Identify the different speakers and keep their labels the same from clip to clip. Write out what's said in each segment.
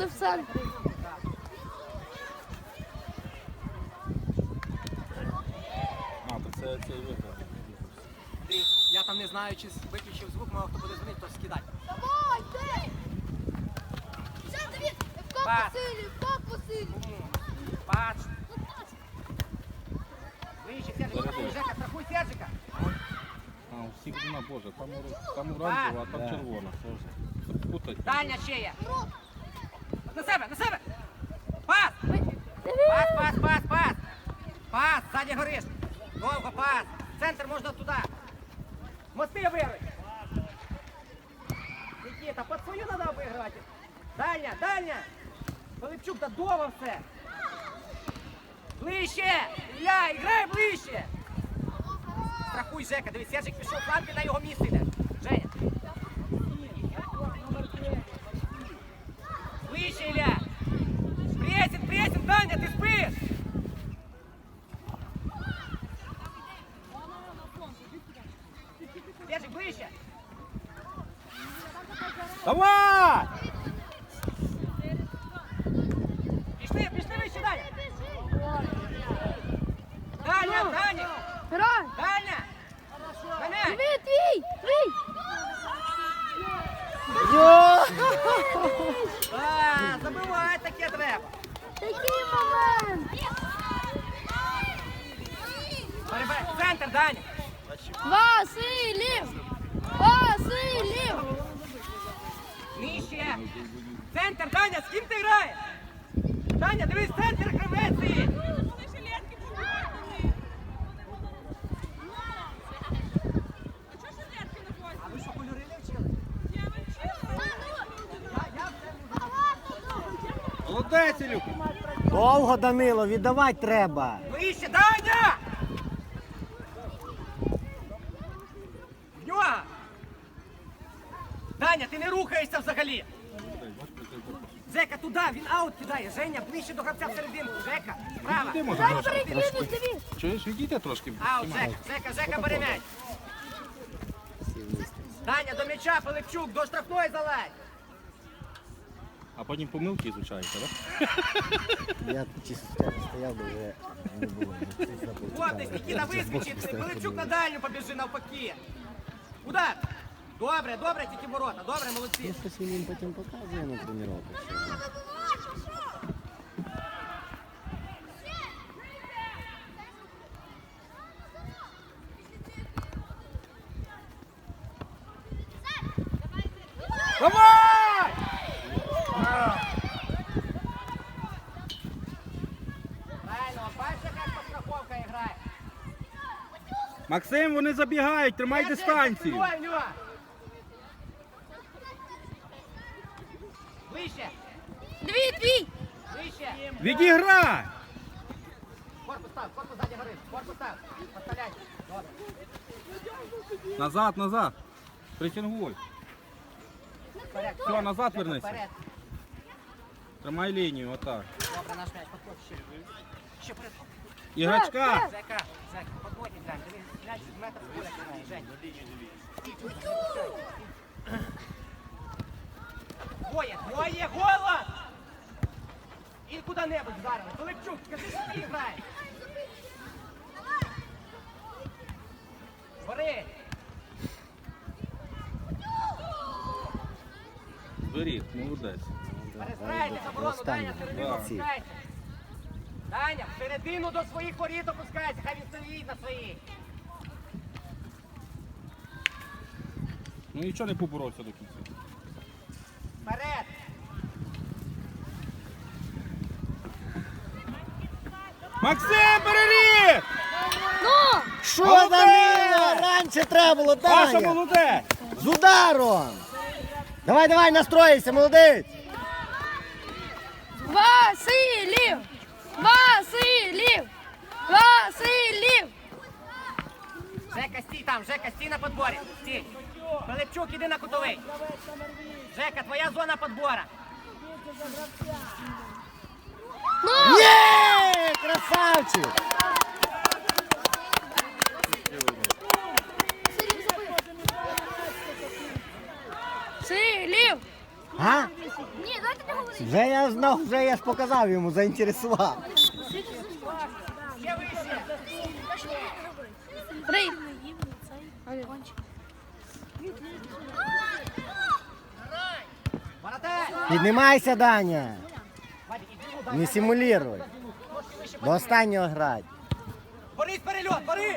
Speaker 1: були в центрі.
Speaker 2: А, то це цей виход.
Speaker 3: Я там не знаю, чи виключив звук, мало хто буде дзвонити, то скидай.
Speaker 1: Давай, ти! Ще, Давід!
Speaker 3: Пас.
Speaker 1: Вкоп посилі!
Speaker 3: Пач. Вище, Сержик, Жека, страхуй Сержика.
Speaker 2: А, у всіх одна, боже, там оранжева, а там червона. Це путать.
Speaker 3: Дальня ще є. На себе, на себе. Пас. Пас, пас, пас, пас. Пас, ззаді гориш. Довго, пас. Центр можна туди. Мости вируй. Нікіта, під свою треба обіграти. Дальня, дальня. Пилипчук, да дома все. Ближче. Ілля, іграй ближче. Страхуй, Жека. Дивись, Сержик пішов фланг, на його місце йде. Женя. Ближче, Ілля. Пресінг, пресінг, Даня, ти спиш. Сержик, ближче.
Speaker 2: Давай!
Speaker 3: Пішли, пішли вище, Даня. Даня, Даня.
Speaker 1: Грай!
Speaker 3: Даня. Мене.
Speaker 1: Давід, твій! Твій!
Speaker 3: Забивай, таке треба.
Speaker 1: Такий момент!
Speaker 3: Перебирай. Центр, Даня.
Speaker 1: Василів! Василів!
Speaker 3: Нижче. Центр, Даня, з ким ти граєш? Даня, дивись, центр гравець стоїть. А ви що, кольори не вчили?
Speaker 2: Молодець, Ілюк!
Speaker 4: Довго, Данило, віддавати треба.
Speaker 3: Вище, Даня! В нього! Даня, ти не рухаєшся взагалі! Жека, туди, він аут кидає. Женя, ближче до гравця всерединку. Жека, справа.
Speaker 2: Іди, може,
Speaker 1: Дай
Speaker 2: трошки.
Speaker 1: перекинуть, Давід!
Speaker 2: Чуєш, відійте трошки.
Speaker 3: Аут, Жека, бери м'яч. Даня, до м'яча, Пилипчук, до штрафної залазь.
Speaker 2: А потім помилки ізучаєте, так?
Speaker 4: Я чисто стояв, бо вже не було.
Speaker 3: Вот, десь Нікіта вискочить, Пилипчук на дальню побіжи навпаки. Удар. Добре, добре, тільки ворота. Добре, молодці.
Speaker 4: Я щось він їм потім показує на тренуванні.
Speaker 3: Давай! Правильно, бачите, як постраховка грає.
Speaker 2: Максим, вони забігають, тримай дистанцію.
Speaker 3: Вище,
Speaker 1: Давід, твій!
Speaker 3: вище.
Speaker 2: Відіграй!
Speaker 3: Корпус став, корпус ззаді горить. Корпус став. Поставляйте. Добре.
Speaker 2: Назад, назад. Притягуй.
Speaker 3: Вперед.
Speaker 2: Все, назад вернися.
Speaker 3: Вперед.
Speaker 2: Тримай лінію, отак.
Speaker 3: Добре, наш м'яч, подходь ще. Ще вперед.
Speaker 2: Іграчка!
Speaker 3: Жека, подходь, глянь. Дивись, м'яч з метр з поля кидає. Жень. Двоє, голос! І куди-небудь вдарили. Пилипчук, скажи, що ти граєш? Бери!
Speaker 2: Зберіг, молодець.
Speaker 3: Перестраєте заборону, Даня, всередину
Speaker 2: Да.
Speaker 3: опускається. Даня, всередину до своїх воріт опускається, хай він стоїть на своїх.
Speaker 2: Ну нічого не поборовся до кінця.
Speaker 3: Вперед!
Speaker 2: Максим, переріг!
Speaker 1: Ну!
Speaker 4: Що,
Speaker 2: Молодець!
Speaker 4: Данило? Раніше треба було,
Speaker 2: Паша
Speaker 4: Даня!
Speaker 2: молодець!
Speaker 4: З ударом! Давай, давай, настроїйся, молодець!
Speaker 1: Василів! Василів! Василів!
Speaker 3: Жека, стій там, Жека, стій на подборі. Стій. Пилипчук, іди на кутовий. Жека, твоя зона подбора.
Speaker 1: Ну!
Speaker 4: Є! Красавчик!
Speaker 1: Силів!
Speaker 4: А?
Speaker 1: Ні, давайте не говоримо.
Speaker 4: Вже я знав, вже я ж показав йому, заінтересував.
Speaker 3: Ще вище.
Speaker 1: 3.
Speaker 3: Воротарь.
Speaker 4: Піднімайся, Даня.
Speaker 3: Вадик, іди, дай.
Speaker 4: Не симулюй.
Speaker 3: Трошки вище.
Speaker 4: До останнього грати.
Speaker 3: Борис, перельот, Борис.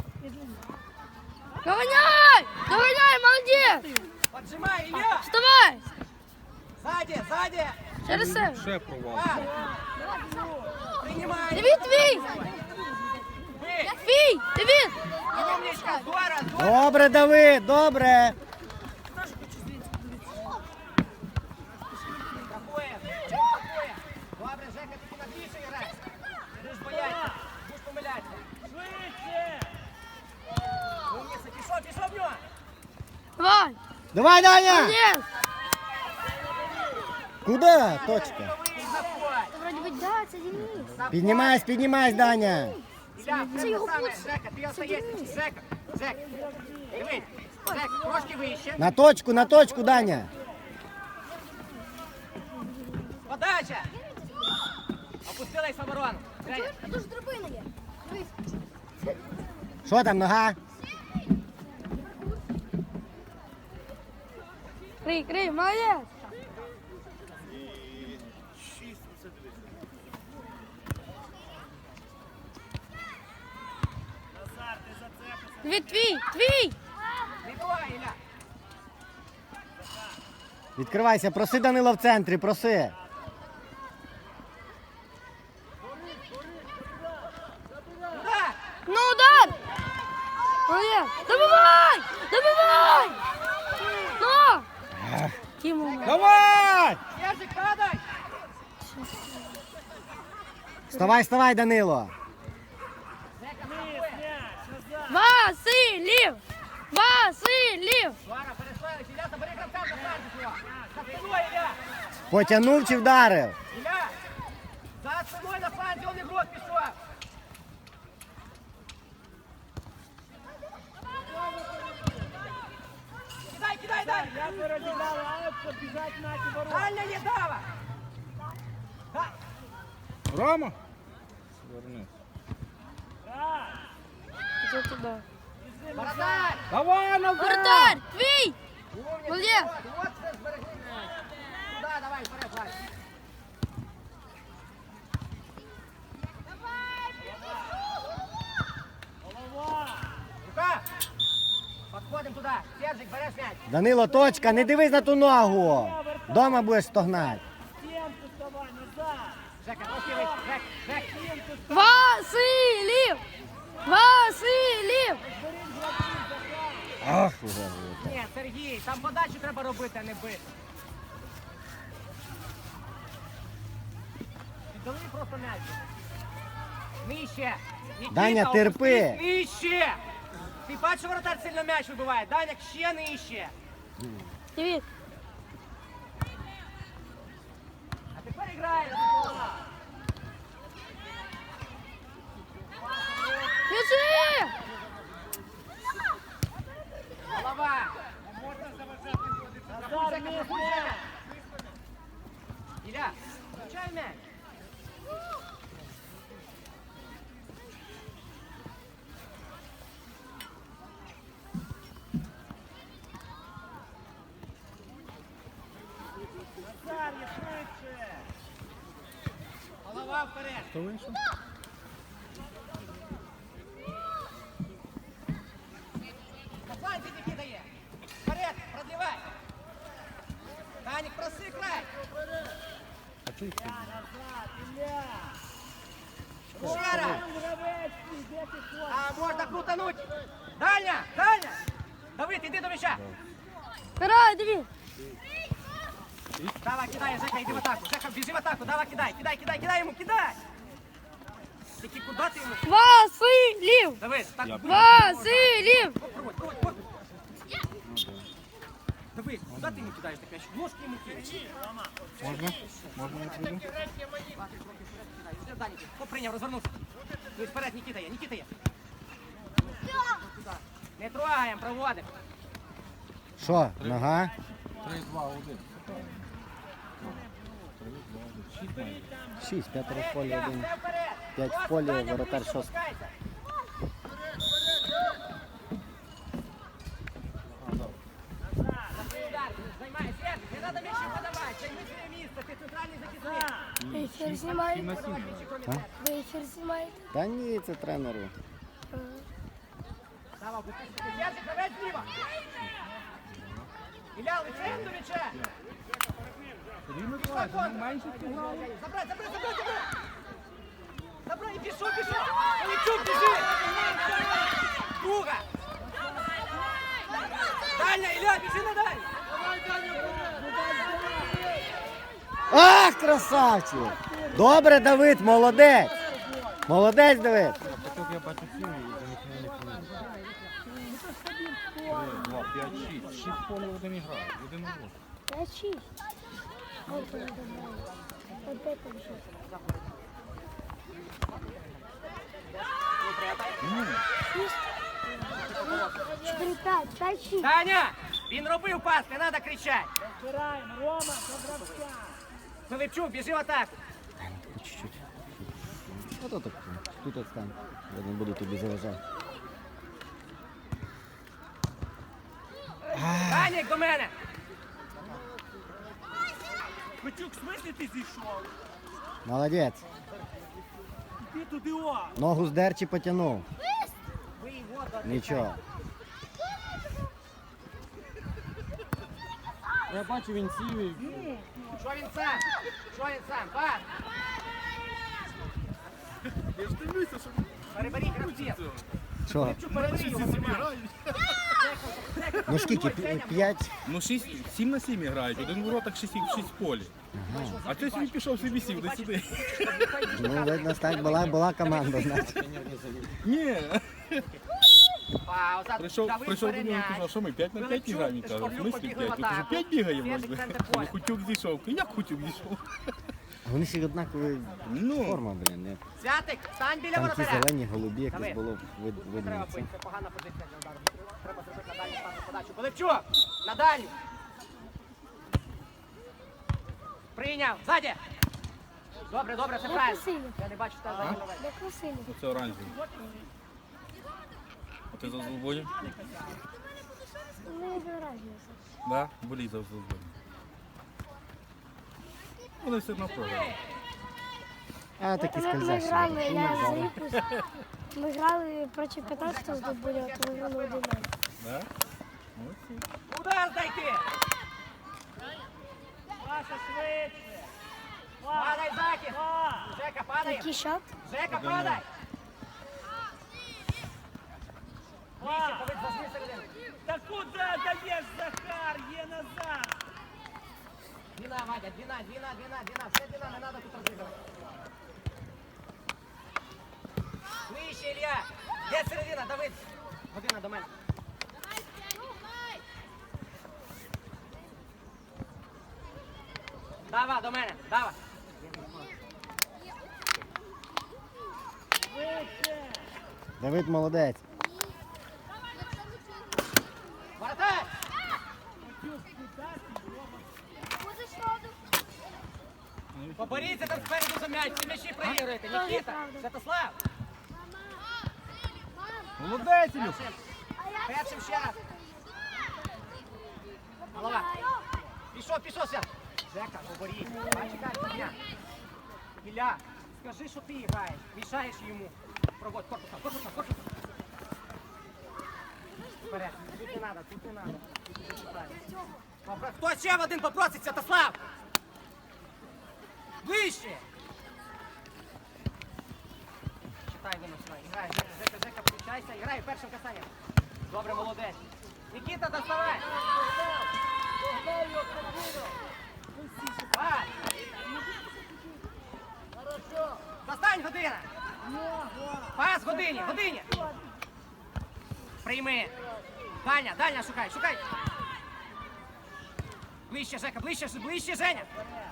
Speaker 1: Догоняй! Догоняй, молодець!
Speaker 3: Поджимай, Ілля.
Speaker 1: Вставай!
Speaker 3: Сзади, сзади.
Speaker 1: Через себе.
Speaker 2: Ще провал.
Speaker 3: Пас. Принимай.
Speaker 1: Давид, твій!
Speaker 3: Вы.
Speaker 1: Твій! Давид!
Speaker 3: Умничка, здорово, здорово.
Speaker 4: Добре, Давид, добре.
Speaker 3: Такое. Такое. Добре, Жека, ти на більше грай. Будеш боятися, будеш помилятися. Умніця, пішов в нього.
Speaker 1: Давай!
Speaker 4: Давай, Даня!
Speaker 1: Молодець!
Speaker 4: Куди? Точка.
Speaker 3: Заходь.
Speaker 1: Вроді би, да, це Денис.
Speaker 4: Піднімайся, піднімайся, Даня.
Speaker 3: Ілля, це те саме. Жека, ти остаєшся. Жека, Жек. Дивись. Жек, трошки вище.
Speaker 4: На точку, Даня.
Speaker 3: Подача. Опустилась в оборону. Женя.
Speaker 1: А тут ж драбина є. Дивись.
Speaker 4: Що там, нога?
Speaker 1: Крий, молодець! Давид, твій!
Speaker 3: Не бувай, Ілля.
Speaker 4: Відкривайся, проси Данила в центрі, проси.
Speaker 3: Туда.
Speaker 1: Ну, удар! Молодець! Добивай! Добивай! Ну! Тіму.
Speaker 2: Давай!
Speaker 3: Ержик, падай.
Speaker 4: Вставай, Данило.
Speaker 3: Жека, страхує.
Speaker 1: Василів! Василів!
Speaker 3: Вара, переслали. Ілля, забери гравця за фланг його. За спиною, Ілля.
Speaker 4: Потягнув чи вдарив?
Speaker 3: Ілля. За спиною на фланзі, он ігрок пішов. Кидай, дай. Дальня не дава. Да.
Speaker 2: Рома? Верни.
Speaker 1: Іди туди.
Speaker 3: Воротарь.
Speaker 2: Давай, назад!
Speaker 1: Вратарь! Твій!
Speaker 3: Умница.
Speaker 1: Молодец.
Speaker 3: Вот це зберегли. Туда, давай, вперед, Вась. Рука. Подходим туда. Сержик, берешь мяч.
Speaker 4: Данило, точка, не дивись на ту ногу. Дома будеш стогнати.
Speaker 3: Жека, трошки вище. Жек.
Speaker 1: Василів! Василів!
Speaker 4: Ах, уже буде.
Speaker 3: Ні, Сергій, там подачу треба робити, а не бити. Віддали просто м'яч. Нижче. Нікіта,
Speaker 4: Даня, терпи.
Speaker 3: опустись нижче. Ти бачиш, воротар сильно м'яч вибиває. Даня, ще нижче.
Speaker 1: Давид!
Speaker 3: А тепер грає.
Speaker 1: Біжи!
Speaker 3: Голова. Страхуй, Жека, страхуй, Жека. Ілля, включай м'яч. Голова вперед.
Speaker 2: Хто вийшов?
Speaker 3: На фланзі Нікіта є. Вперед, продлівай. Данік, проси край.
Speaker 2: А чого їх тут?
Speaker 3: Ще раз. А можна крутануть. Даня, Даня. Давид, іди до м'яча.
Speaker 1: Грай, Давид!
Speaker 3: Давай, кидай, Жека, іди в атаку. Жека, біжи в атаку, давай, кидай, кидай йому, кидай. Тільки куди ти йому?
Speaker 1: Василів!
Speaker 3: Давид, так.
Speaker 1: Василів!
Speaker 3: Проводь. Давид, куди ти йому кидаєш так м'яч? Ножки йому кидай.
Speaker 2: Можна? Можна я прийду?
Speaker 3: Вже Данік, прийняв, розвернувся. Дивись, вперед, Нікіта є. Не трогаємо, проводимо.
Speaker 4: Що, нога?
Speaker 2: 3-2-1. 3-2-1. 6 майже.
Speaker 4: 6, 5 в полі,
Speaker 3: Ілля,
Speaker 4: 1.
Speaker 3: все вперед.
Speaker 4: 5 в
Speaker 3: Ось,
Speaker 4: полі,
Speaker 3: Саня,
Speaker 4: воротар
Speaker 3: ближче
Speaker 4: 6.
Speaker 3: опускайся. Удар, займай, Сергій, не треба м'ячі подавати, займи своє місце, ти центральний захисник.
Speaker 1: Ефір
Speaker 2: 7
Speaker 1: знімаєте?
Speaker 2: на 7.
Speaker 1: Ви ефір знімаєте?
Speaker 4: Та ні, це тренеру.
Speaker 3: Давай, опустись, Сергій, давай зліва. Ілля, лицем до м'яча.
Speaker 2: Сергій Миколаївич, ну менше зіграли.
Speaker 3: Забрать, забрать, забрать, забрать! Забрать, и пішов, пішов! Олексюк, біжи! Друга! Дальня, Ілля, біжи на дальню!
Speaker 4: Ах, красавчик! Добре, Давид, молодець! Молодець, Давид!
Speaker 2: Почок я бачу 7 і за них не хвилин. 2, 5, 6. 6 поле один грає. Один у
Speaker 1: 5-6. От він добре. Опять там 6.
Speaker 2: Ну,
Speaker 1: 4-5, 5-6.
Speaker 3: Таня, він робив пас, не треба кричати! Пилипчук, біжи в атаку!
Speaker 4: По чуть-чуть. Ото так. Тут отстань. Я не буду тобі заважати.
Speaker 3: Танік, до мене!
Speaker 5: Петюк, в смислі ти зійшов?
Speaker 4: Молодець.
Speaker 5: Ти туди о!
Speaker 4: Ногу здер чи потягнув?
Speaker 3: Ви його
Speaker 4: Нічого.
Speaker 2: я бачу, він сів і...
Speaker 3: Що він сам? Що він сам? Пас!
Speaker 5: Я ж дивлюся, що
Speaker 3: Переберіть гравців!
Speaker 4: Що?
Speaker 3: Пилипчук, переберіть його!
Speaker 4: Ну скільки? 5?
Speaker 2: Ну 7 на 7 грають, один вороток 6 в полі. А ти собі пішов собі сів, де сюди.
Speaker 4: Ну, видно, так була команда, значить.
Speaker 2: Ні.
Speaker 3: Пауза,
Speaker 2: Прийшов
Speaker 3: Давид
Speaker 2: до нього і
Speaker 3: перем'яч.
Speaker 2: казав, що ми 5 на 5 не граємо. Він каже, в
Speaker 3: Шкорлюк
Speaker 2: смислі
Speaker 3: побігли
Speaker 2: 5?
Speaker 3: в
Speaker 2: Я кажу,
Speaker 3: атаку.
Speaker 2: 5 бігаємо.
Speaker 3: Свіжик, центр поля.
Speaker 2: Хутюк зійшов. Як Хутюк зійшов?
Speaker 4: Вони всі однакові
Speaker 2: Ну.
Speaker 4: форма, блін. не?
Speaker 3: Святик, стань біля
Speaker 4: Там ті
Speaker 3: воротаря.
Speaker 4: зелені, голубі, якось
Speaker 3: Давид.
Speaker 4: було
Speaker 3: Не
Speaker 4: видно.
Speaker 3: треба
Speaker 4: це.
Speaker 3: бити, це погана позиція для удару. Треба зробити на дальню стану подачу. Пилипчук, на дальню. Прийняв, ззаді. Добре, добре, це
Speaker 1: Де
Speaker 3: правильно.
Speaker 1: Василів?
Speaker 3: Я не бачу, що там задній
Speaker 1: Де Василів?
Speaker 2: Це оранжевий. А ти за Золбонів?
Speaker 1: Не заражується.
Speaker 2: Да, болій за Золбонів. Вони все одно програли.
Speaker 4: А, такі
Speaker 1: Ми
Speaker 4: скользящі.
Speaker 1: грали, я за Іпус. Ми грали проти 15 з Дуболя, то ми грали 1-0.
Speaker 2: Да? Молодці.
Speaker 3: Удар дайте.
Speaker 5: Паша швидше!
Speaker 3: Падай, захист. Жека, падай.
Speaker 1: Який шат?
Speaker 3: Жека, падай. Вище, Давид, зажми середину.
Speaker 5: Та куди даєш, Захар? Є назад!
Speaker 3: Двіна, Вадя, двіна. Все двіна, не треба тут розігрувати. Вище, Ілля. Де середина, Давид? Година до мене. Дава, до мене, дава.
Speaker 4: Давид молодець.
Speaker 3: Воротар! Поборіться там спереду за м'яч, всі м'ячі проігруєте. Нікіта, Святослав.
Speaker 2: Молодець, Ілюх.
Speaker 3: Першим ще раз. Голова. Пішов, Свят. Жека, поборіть. Чекай, Ілля. Ілля, скажи, що ти граєш. Мішаєш йому. Проводь, корпусом. Вперед. Тут не треба. Хто ще в один попросить, Святослав? Ближче! Читай, виносила. Грай, Жека, включайся. Грай першим касанням. Добре, молодець. Нікіта, доставай! Пас! Достань, година! Пас, годині! Прийми! Дальня, шукай! Ближче, Жека, ближче, Женя!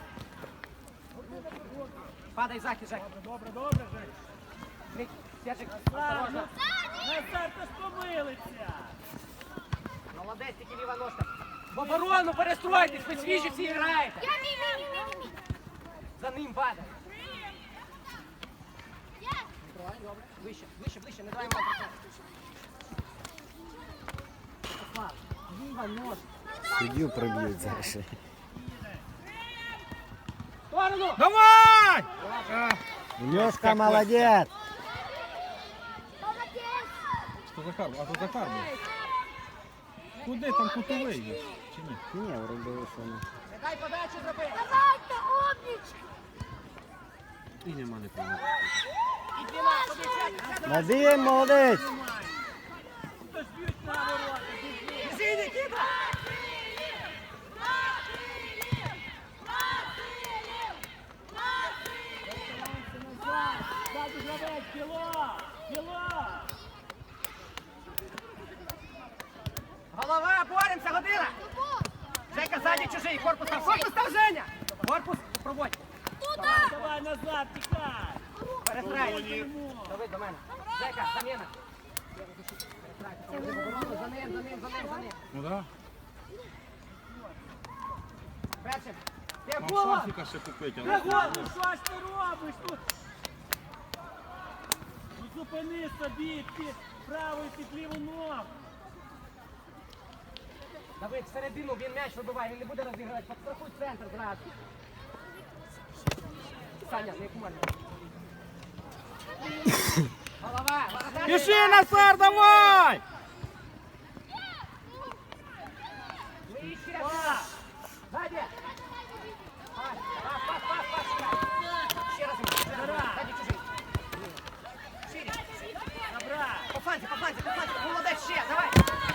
Speaker 3: Падай, захист, Жека.
Speaker 5: Добре, Жень.
Speaker 3: Сержик, осторожно.
Speaker 5: Назар, ти ж помилиться!
Speaker 3: Молодець, тільки ліва ножка. В оборону перестройтесь, ви свіжі всі граєте. За ним падає. Ближче, ближче, ближче, не дай йому працювати. Ліва, нож.
Speaker 4: Суддю приб'ють зараз.
Speaker 3: Сторону!
Speaker 2: Давай!
Speaker 4: Льошка молодець!
Speaker 2: Що Захар? А то Захар був. Куди там кутовий є? Чи ні?
Speaker 4: Ні, вроде що не.
Speaker 3: Не дай подачу зробити.
Speaker 1: Давайте, умнички!
Speaker 2: І нема не помилки.
Speaker 3: Іди на, подивіться.
Speaker 4: Вадим, молодець!
Speaker 5: Хтось б'ють на ворота.
Speaker 3: Біжи, Нікіта!
Speaker 5: Ззаду гравець, кіло! Кіло!
Speaker 3: Голова, боремося, година! Жека, ззаді чужий, корпус там, Женя! Корпус, проводь.
Speaker 5: Давай, давай назад, тікай!
Speaker 3: Перестрай. Давид до мене. Жека, заміна. За ним.
Speaker 2: Ну да.
Speaker 3: Першим. Є
Speaker 2: Там
Speaker 3: голова!
Speaker 2: Сафіка ще купити.
Speaker 5: Драгон, ну що ж ти робиш тут? Ну зупини собі під праву і під ліву ногу.
Speaker 3: Давид, всередину він м'яч вибиває, він не буде розігрувати. Подстрахуй центр зразу. Саня, не кумарно. Голова, воротар.
Speaker 2: Піши, Назар, давай!
Speaker 3: Вище. Сзади. Пас. Ще раз. Сзади чужий. Шире.
Speaker 5: Добра!
Speaker 3: По фланзі. Молодець ще, давай.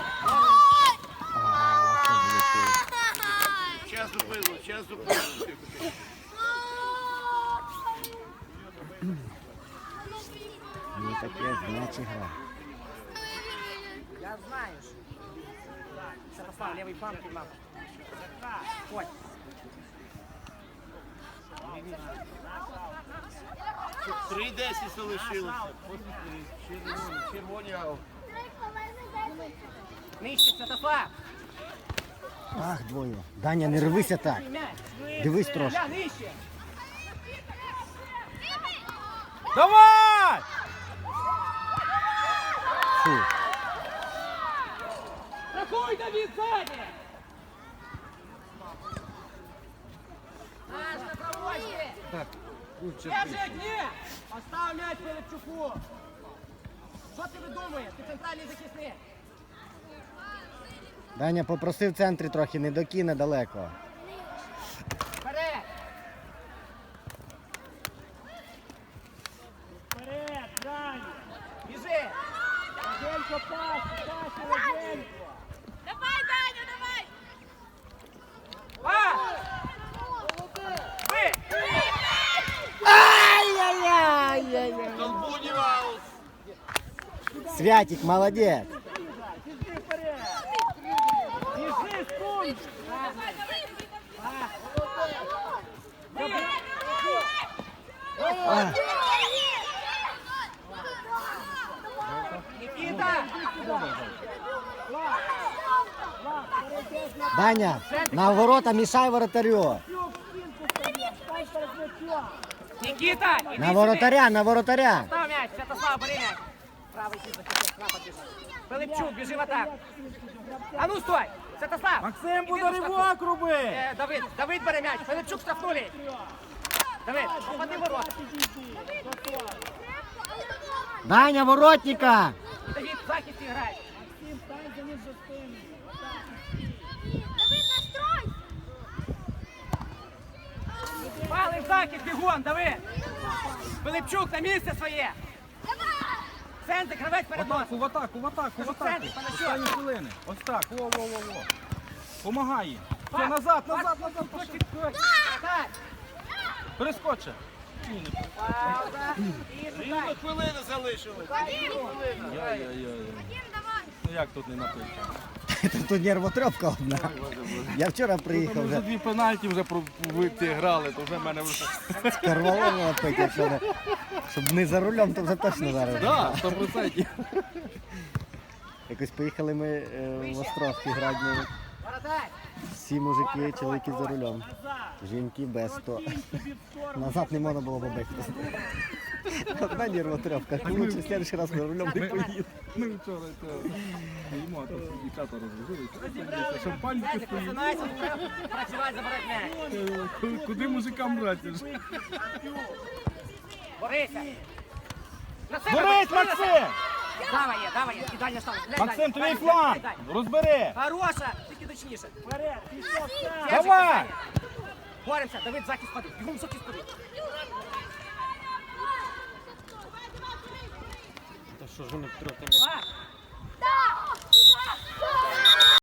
Speaker 6: Час зупинило.
Speaker 4: Ну таке значить гра.
Speaker 3: Я знаю. Святослав, левый фланг поймал. Ой.
Speaker 6: 3:10 залишилося. Червоні аут.
Speaker 3: Нижче, Святослав.
Speaker 4: Ах, двоє. Даня, не рвися так.
Speaker 3: Мяч.
Speaker 4: Дивись трошки.
Speaker 3: Ля, нижче.
Speaker 2: Давай!
Speaker 4: Фу.
Speaker 3: Рахуй, Давид, сзади. Наш на проводке.
Speaker 2: Так, лучше
Speaker 3: Держи, ні. Остав м'яч Пилипчуку. Що ти видумуєш? Ти центральний захисник.
Speaker 4: Даня попросив в центрі трохи, не докине далеко.
Speaker 3: Вперед.
Speaker 5: Вперед, Даня!
Speaker 3: Біжи.
Speaker 5: Роденько, пас, Роденько!
Speaker 3: Пас. Ви.
Speaker 4: Ай-яй-яй-яй-яй.
Speaker 6: Колбунів аут.
Speaker 4: Святик, молодець.
Speaker 5: Біжи вперед! Біжи, стунь!
Speaker 4: А,
Speaker 3: Нікіта.
Speaker 4: Даня, на ворота мішай воротарю.
Speaker 5: Стань перед м'ячом!
Speaker 3: Нікіта, іди
Speaker 4: На
Speaker 3: сюди.
Speaker 4: воротаря, на воротаря.
Speaker 3: Став м'яч, Святослав, бери м'яч. Правий кіт захистив, справа біжи. Пилипчук, біжи в атаку. А ну стой! Святослав!
Speaker 2: Максим,
Speaker 3: іди
Speaker 2: буде
Speaker 3: до штрафу.
Speaker 2: ривок роби!
Speaker 3: Давид бере м'яч, Пилипчук штрафнули. Давид, попади в ворота.
Speaker 4: Даня, воротника.
Speaker 3: Давид, в захисті грає.
Speaker 5: Максим, стань за ним за спину!
Speaker 3: Пали в захист, бігом, Давид. Пилипчук на місце своє. Центр, гравець перед носом.
Speaker 2: В атаку.
Speaker 3: центр, Панасюк.
Speaker 2: Останні хвилини. Ось так, во. Помагай їм. Все, назад.
Speaker 3: Так,
Speaker 2: Перескоче.
Speaker 3: пауза. І шукай.
Speaker 6: Хвилини залишилось.
Speaker 2: Ну як тут не напити?
Speaker 4: Тут нервотрепка одна. Я вчора приїхав
Speaker 2: Вже
Speaker 4: вже
Speaker 2: дві пенальті вже грали, то вже в мене вже...
Speaker 4: карвалово пити, якщо не, щоб не за рулем, то вже точно зараз.
Speaker 2: Так, 100%.
Speaker 4: Якось поїхали ми в Островський град,
Speaker 3: Воротарь.
Speaker 4: всі мужики, чоловіки за рулем.
Speaker 5: Назад!
Speaker 4: Жінки без то.
Speaker 5: Кинь собі в сторону.
Speaker 4: Назад не можна було побігти. Одна нервотрепка. Лучше в следующий раз ми рулем не поїдемо.
Speaker 2: Ми вчора їмо, а тут дівчата розложили. Шампанське
Speaker 3: Сенчик,
Speaker 2: стоїть.
Speaker 3: просинайся, треба працювати, забирати м'яч.
Speaker 2: Куди мужикам брати?
Speaker 3: Борися. На себе,
Speaker 5: Борись,
Speaker 3: бери на себе.
Speaker 5: Максим!
Speaker 3: Давай є, і далі став.
Speaker 5: Максим, твій фланг! Розбери!
Speaker 3: Хороша, тільки точніше.
Speaker 5: Вперед, пішов сам! Давай!
Speaker 3: Боремося, Давид, захист ходи. Бігом захист ходи.
Speaker 4: Та що ж вони трохи
Speaker 3: Пас.